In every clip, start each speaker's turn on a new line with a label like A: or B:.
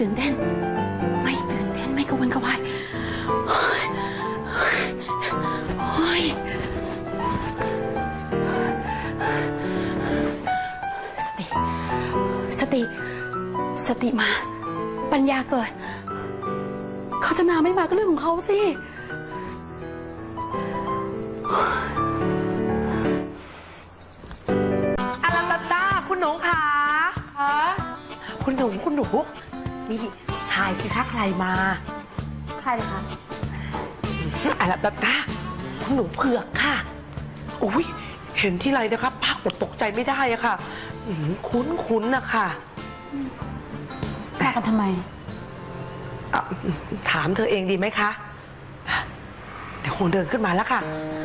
A: ตื่นเต้นไม่ตื่นเต้นไม่กระวนกระวายสติมาปัญญาเกิดเขาจะมาไม่มาก็เรื่องของเขาสิ
B: อารันตาคุณหนูคะคุณหนูนี่ทายสิคะใครมา
A: ใครเลยคะ
B: อารันตาคุณหนูเผือกค่ะอุ้ยเห็นที่ไรนะครับป้าอดตกใจไม่ได้อะค่ะคุ้นนะคะ
A: มากันทำไม
B: ถามเธอเองดีไหมคะเดี๋ยวคงเดินขึ้นมาแล้วค่ะ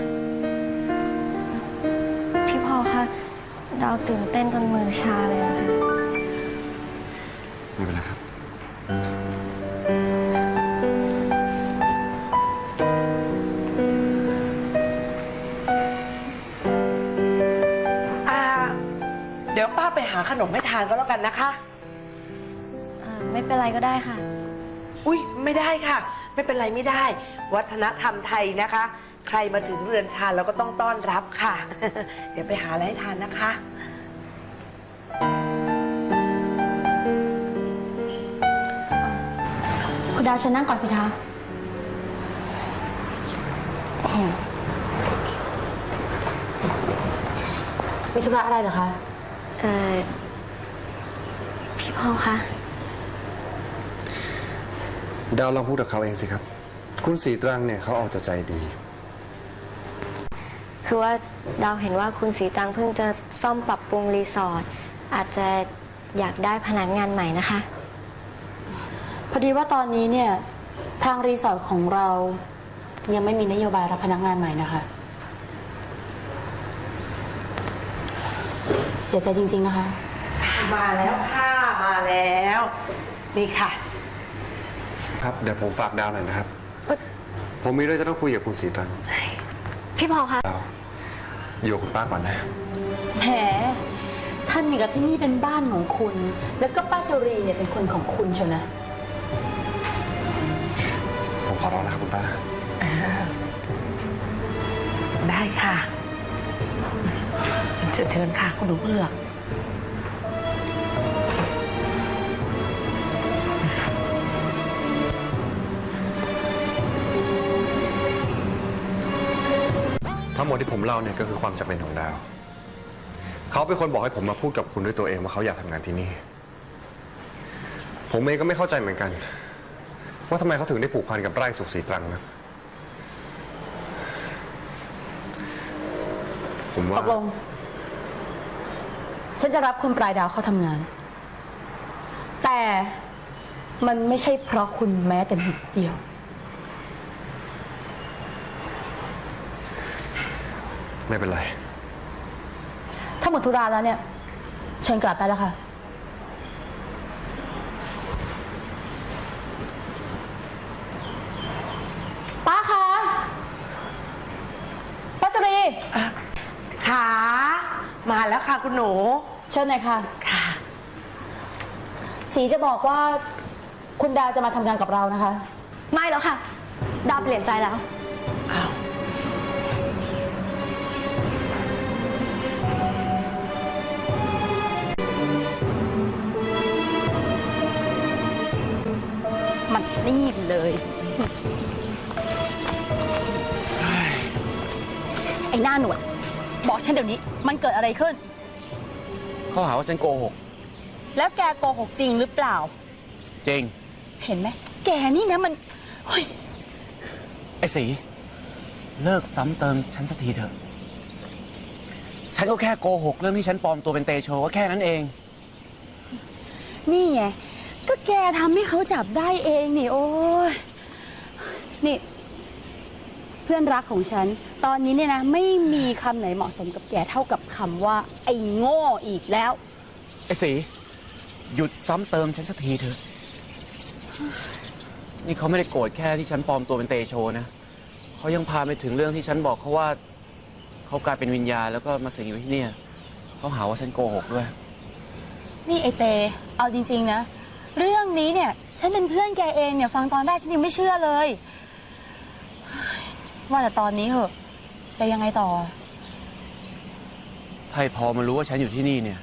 C: พี่พอคะดาวตื่นเต้นจนมือชาเลยอะค่ะ
D: ไม่เป็นไรครับ
B: เดี๋ยวป้าไปหาขนมให้ทานก็แล้วกันนะคะ
C: ไม่เป็นไรก็ได้ค่ะ
B: อุ้ยไม่ได้ค่ะไม่เป็นไรไม่ได้วัฒนธรรมไทยนะคะใครมาถึงเรือนชาญเราก็ต้องต้อนรับค่ะ เดี๋ยวไปหาอะไรให้ทานนะคะ
A: คุณดาวเชิญนั่งก่อนสิคะมีธุระอะไรเหรอคะ
C: พี่พอคะ
D: ดาวลองพูดกับเขาเองสิครับคุณสีตรังเนี่ยเขาเอาแต่ใจดี
C: คือว่าดาวเห็นว่าคุณสีตรังเพิ่งจะซ่อมปรับปรุงรีสอร์ทอาจจะอยากได้พนักงานใหม่นะคะ
A: พอดีว่าตอนนี้เนี่ยทางรีสอร์ทของเรายังไม่มีนโยบายรับพนักงานใหม่นะคะเสียใจจริงๆนะคะ
B: มาแล้วค่ะมาแล้วนี่ค่ะ
D: ครับเดี๋ยวผมฝากดาวหน่อยนะครับผมมีเรื่องจะต้องคุยกับคุณสีตรัง
C: พี่พอคะ
D: อยู่กับคุณป้าก่อนนะ
A: แหมท่านมีกับที่นี่เป็นบ้านของคุณแล้วก็ป้าจุรีเนี่ยเป็นคนของคุณเชียวนะ
D: ผมขอร้องนะครับคุณป้า
B: ได้ค่ะเชิญค่ะคุณหนูเผือก
D: ทั้งหมดที่ผมเล่าเนี่ยก็คือความจำเป็นของดาวเขาเป็นคนบอกให้ผมมาพูดกับคุณด้วยตัวเองว่าเขาอยากทำงานที่นี่ผมเองก็ไม่เข้าใจเหมือนกันว่าทำไมเขาถึงได้ผูกพันกับไร่สุขศรีตรังนะผมว่า
A: ตกลงฉันจะรับคุณปลายดาวเข้าทำงานแต่มันไม่ใช่เพราะคุณแม้แต่นิดเดียว
D: ไม่เป็นไร
A: ถ้าหมดธุระแล้วเนี่ยเชิญกลับไปแล้วค่ะป้าคะป้าจุรี
B: ขามาแล้วค่ะคุณหนู
A: เชิญหน่อยค่ะ
B: ค่ะ
A: สีจะบอกว่าคุณดาวจะมาทำงานกับเรานะคะ
C: ไม่แล้วค่ะดาวเปลี่ยนใจแล้ว
B: อ้าว
A: มันนี่เลยไอ้หน้าหนวดบอกฉันเดี๋ยวนี้มันเกิดอะไรขึ้น
E: เขาหาว่าฉันโกหก
A: แล้วแกโกหกจริงหรือเปล่า
E: จริง
A: เห็นไหมแกนี่นะมัน
E: ไอ้สีเลิกซ้ำเติมฉันสักทีเถอะฉันก็แค่โกหกเรื่องที่ฉันปลอมตัวเป็นเตโชก็แค่นั้นเอง
A: นี่ไงก็แกทำให้เขาจับได้เองนี่โอ้ยนี่เพื่อนรักของฉันตอนนี้เนี่ยนะไม่มีคำไหนเหมาะสมกับแกเท่ากับคำว่าไอ้โง่อีกแล้ว
E: ไอ้สีหยุดซ้ำเติมฉันสักทีเถอะนี่เขาไม่ได้โกรธแค่ที่ฉันปลอมตัวเป็นเตโชนะเขายังพาไปถึงเรื่องที่ฉันบอกเขาว่าเขากลายเป็นวิญญาณแล้วก็มาสิงอยู่ที่นี่เขาหาว่าฉันโกหกด้วย
A: นี่ไอเตเอาจริงๆนะเรื่องนี้เนี่ย ฉันเป็นเพื่อนแกเองเนี่ย ฟังตอนแรกฉันยังไม่เชื่อเลยว่าแต่ตอนนี้เหอะจะยังไงต่อ
E: ถ้าไอ้พอมันรู้ว่าฉันอยู่ที่นี่เนี่ย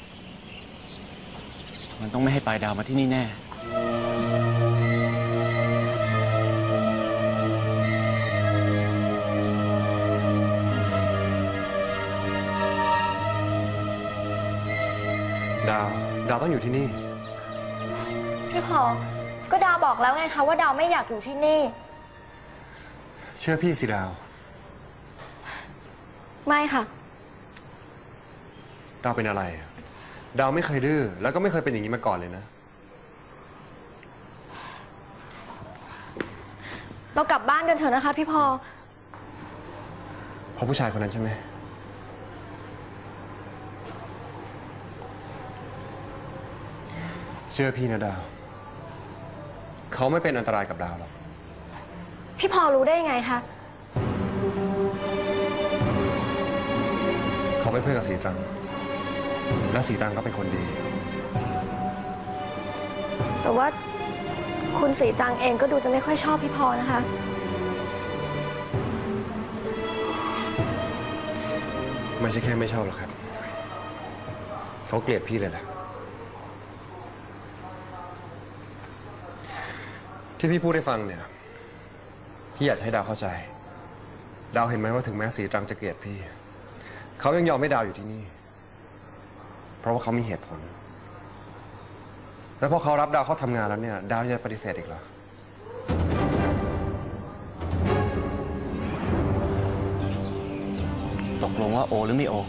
E: มันต้องไม่ให้ปลายดาวมาที่นี่แน่
D: ดาวต้องอยู่ที่นี่
C: พี่พอก็ดาวบอกแล้วไงคะว่าดาวไม่อยากอยู่ที่นี่
D: เชื่อพี่สิดาว
C: ไม่ค่ะ
D: ดาวเป็นอะไร ดาวไม่เคยดื้อแล้วก็ไม่เคยเป็นอย่างนี้มาก่อนเลยนะ
C: เรากลับบ้านกันเถอะนะคะพี่พอ
D: เพราะผู้ชายคนนั้นใช่ไหม เชื่อพี่นะดาว เขาไม่เป็นอันตรายกับดาวหรอก
C: พี่พอรู้ได้ยังไงคะ
D: เขาเป็นเพื่อนกับสีตรัง และสีตรังก็เป็นคนดี
C: แต่ว่าคุณสีตรังเองก็ดูจะไม่ค่อยชอบพี่พอนะคะ
D: ไม่ใช่แค่ไม่ชอบหรอกครับ เขาเกลียดพี่เลยแหละ ที่พี่พูดให้ฟังเนี่ย พี่อยากจะให้ดาวเข้าใจ ดาวเห็นไหมว่าถึงแม้สีตรังจะเกลียดพี่ เขายังยอมให้ดาวอยู่ที่นี่ เพราะว่าเขามีเหตุผล แล้วพอเขารับดาวเข้าทำงานแล้วเนี่ย ดาวจะปฏิเสธอีกเหรอ
E: ตกลงว่าโอหรือไม่โอ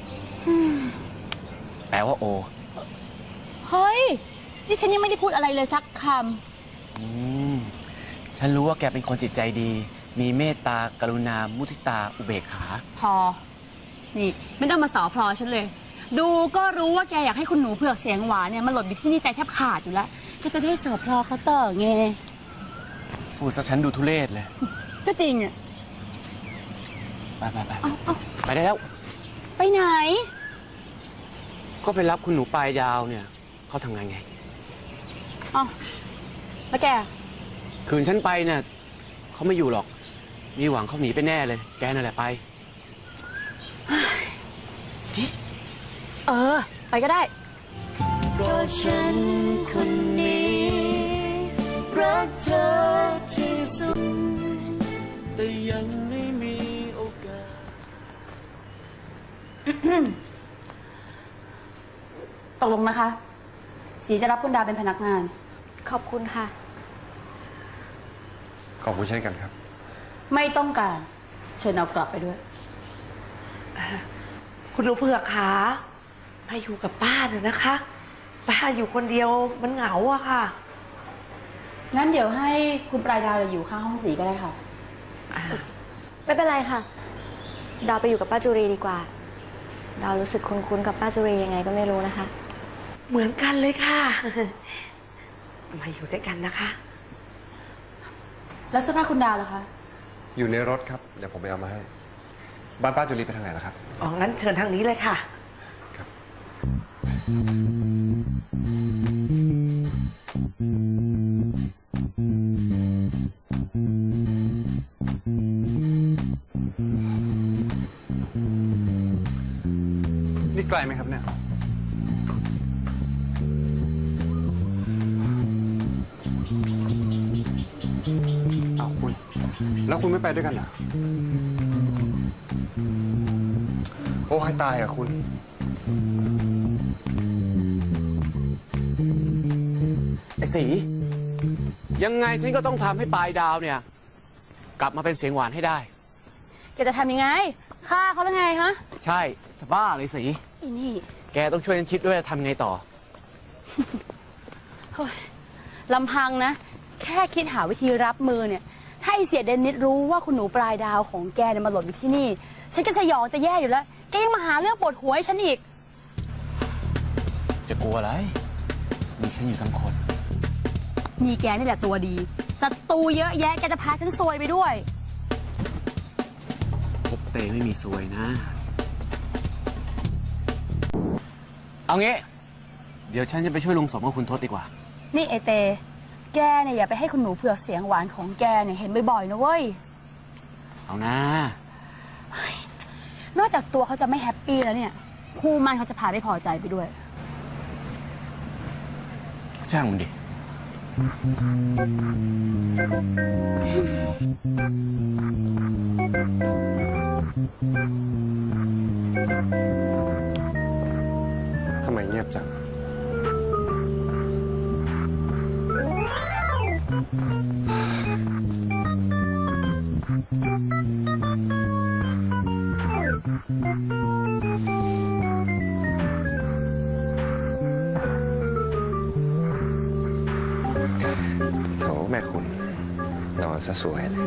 E: แปลว่าโอ
A: เฮ้ย นี่ฉันยังไม่ได้พูดอะไรเลยสักค
E: อืม ฉันรู้ว่าแกเป็นคนจิตใจดี มีเมตตากรุณา มุทิตา อุเบกขา
A: ำพอ นี่ไม่ต้องมาสอพลอฉันเลย ดูก็รู้ว่าแกอยากให้คุณหนูเผือกเสียงหวานเนี่ยมาหลดอยู่ที่นี่ใจแทบขาดอยู่แล้ว ก็จะได้สอพลอเขาต่อไง
E: พูดซะฉันดูทุเรศเลย
A: ก็จริงอ่ะ
E: ไปไปไป
A: เอา
E: ไปได้แล้ว
A: ไปไหน
E: ก็ไปรับคุณหนูปลายดาวเนี่ย เขาทำงานไง
A: เอาแล้วแก
E: คืนฉันไปเนี่ยเขาไม่อยู่หรอก มีหวังเขาหนีไปแน่เลย แกนั่นแหละไป
A: เออ ไปก็ได้
F: เพราะฉันคนนี้รักเธอที่สุดแต่ยังไม่มีโอกาส
A: ตกลงนะคะ สีจะรับคุณดาวเป็นพนักงาน
C: ขอบคุณค่ะ
D: ขอบคุณเช่นกันครับ
A: ไม่ต้องการ เชิญเอากลับไปด้วย
B: คุณหนูเผือกขามาอยู่กับป้าเถอะนะคะ ป้าอยู่คนเดียวมันเหงาอะค่ะ
A: งั้นเดี๋ยวให้คุณปลายดาวอยู่ข้างห้องสีก็ได้ค่ะ
C: ไม่เป็นไรค่ะ ดาวไปอยู่กับป้าจุรีดีกว่า ดาวรู้สึกคุ้นๆกับป้าจุรียังไงก็ไม่รู้นะคะ
B: เหมือนกันเลยค่ะ มาอยู่ด้วยกันนะคะ
A: แล้วเสื้อผ้าคุณดาวล่ะคะ
D: อยู่ในรถครับ เดี๋ยวผมไปเอามาให้ บ้านป้าจุลีไปทางไหนล่ะครับ
B: อ๋อ งั้นเชิญทางนี้เลยค่ะ
D: ครับ นี่ไกลไหมครับเนี่ย เอาคุณ แล้วคุณไม่ไปด้วยกันเหรอ โอ้ให้ตายอ่ะคุณ
E: ไอ้สี ยังไงฉันก็ต้องทำให้ปลายดาวเนี่ย กลับมาเป็นเสียงหวานให้ได้
A: แกจะทำยังไง ฆ่าเขาแล้วไงฮะ
E: ใช่จะบ้าเลยสี
A: อีนี่
E: แกต้องช่วยฉันคิดด้วยว่าจะทำไงต่อ
A: เฮ้ยลำพังนะ แค่คิดหาวิธีรับมือเนี่ย ถ้าไอเสียเดนนิสรู้ว่าคุณหนูปลายดาวของแกเนี่ยมาหลดอยู่ที่นี่ ฉันก็สยองจะแย่อยู่แล้ว แกยังมาหาเรื่องปวดหัวให้ฉันอีก
E: จะกลัวอะไร มีฉันอยู่ทั้งคน
A: มีแกนี่แหละตัวดี ศัตรูเยอะแยะ แกจะพาฉันซวยไปด้วย
E: พบเตไม่มีซวยนะ เอางี้ เดี๋ยวฉันจะไปช่วยลุงสมกับคุณทศดีกว่า
A: นี่ไอเต แกเนี่ยอย่าไปให้คุณหนูเผือกเสียงหวานของแกเนี่ยเห็นบ่อยๆนะเว้ย
E: เอานะ
A: นอกจากตัวเขาจะไม่แฮปปี้แล้วเนี่ยครูมันเขาจะพาไม่พอใจไปด้วย
E: ช่างมันดิ
D: ทำไมเงียบจัง โถแม่คุณนอนซะสวยเลย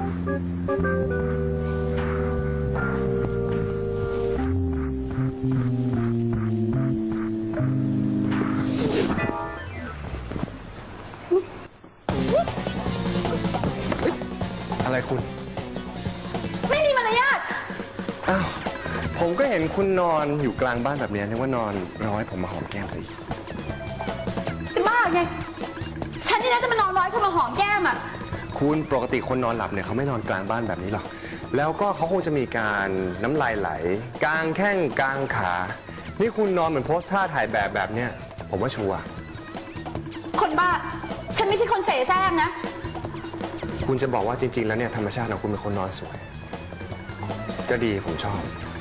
D: อะไรคุณ
A: ไม่มีมารยาท
D: อ้าว ผมก็เห็นคุณนอนอยู่กลางบ้านแบบนี้นึกว่านอนรอให้ผมมาหอมแก้มสิ
A: จะบ้าไง ฉันนี่นะจะมานอนร้อยคนมาหอมแก้มอ่ะ
D: คุณปกติคนนอนหลับเนี่ยเขาไม่นอนกลางบ้านแบบนี้หรอก แล้วก็เขาคงจะมีการน้ำลายไหล กลางแข้งกลางขา นี่คุณนอนเหมือนโพสท่าถ่ายแบบเนี้ยผมว่าชัวร์
A: คนบ้า ฉันไม่ใช่คนเสแสร้งนะ
D: คุณจะบอกว่าจริง ๆ แล้วเนี่ยธรรมชาติของคุณเป็นคนนอนสวย ก็ดีผมชอบ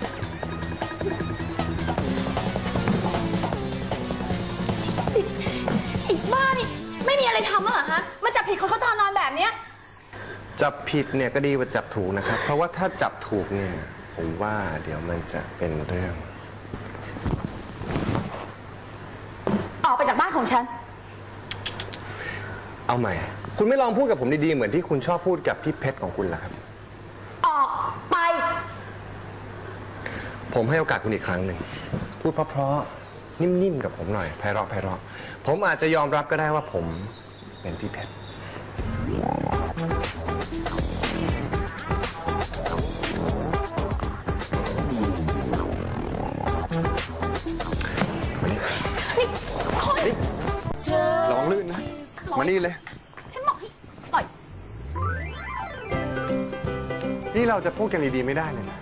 A: อีกบ้านี่ไม่มีอะไรทำเหรอฮะมันจับผิดคนเขาตอนนอนแบบเนี้ย
D: จับผิดเนี่ยก็ดีกว่าจับถูกนะครับ เพราะว่าถ้าจับถูกเนี่ยผมว่าเดี๋ยวมันจะเป็นเรื่อง
A: ออกไปจากบ้านของฉัน
D: เอาใหม่ คุณไม่ลองพูดกับผมดีๆเหมือนที่คุณชอบพูดกับพี่เพชรของคุณล่ะครับ
A: ออกไป
D: ผมให้โอกาสคุณอีกครั้งหนึ่ง พูดเพราะๆนิ่มๆกับผมหน่อยไพเราะไพเราะผมอาจจะยอมรับก็ได้ว่าผมเป็นพี่เพชรมานี่
A: นี่คน
D: นี่ระวังลื่นนะ มานี่เลย
A: ฉันบอกให้ปล่อย
D: นี่เราจะพูดกันดีๆไม่ได้เลยนะ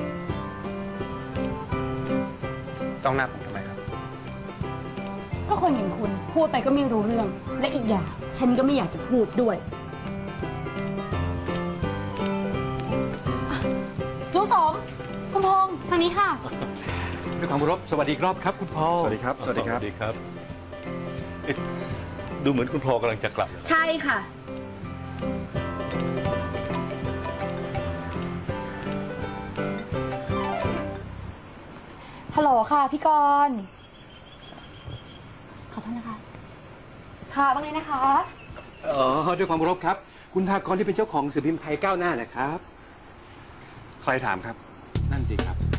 D: ต้องหน้าผมทำไมครับ
A: ก็คนอย่างคุณพูดไปก็ไม่รู้เรื่อง และอีกอย่าง ฉันก็ไม่อยากจะพูดด้วยลุงสมคุณพงษ์ทางนี้ค่ะ
G: ด้วยความเคารพสวัสดีครับคุณพอ
D: สวัสดีครับ สวัสดีครับ
G: สวัสดีครับเอ๊ะดูเหมือนคุณพอกำลังจะกลับ
A: ใช่ค่ะ ฮัลโหลค่ะพี่กรณ์ขอโทษนะคะ ค่ะว่าไงนะคะ
G: ด้วยความเคารพครับ คุณธากรที่เป็นเจ้าของหนังสือพิมพ์ไทยก้าวหน้านะครับ
D: ใครถามครับ
G: นั่นสิครับ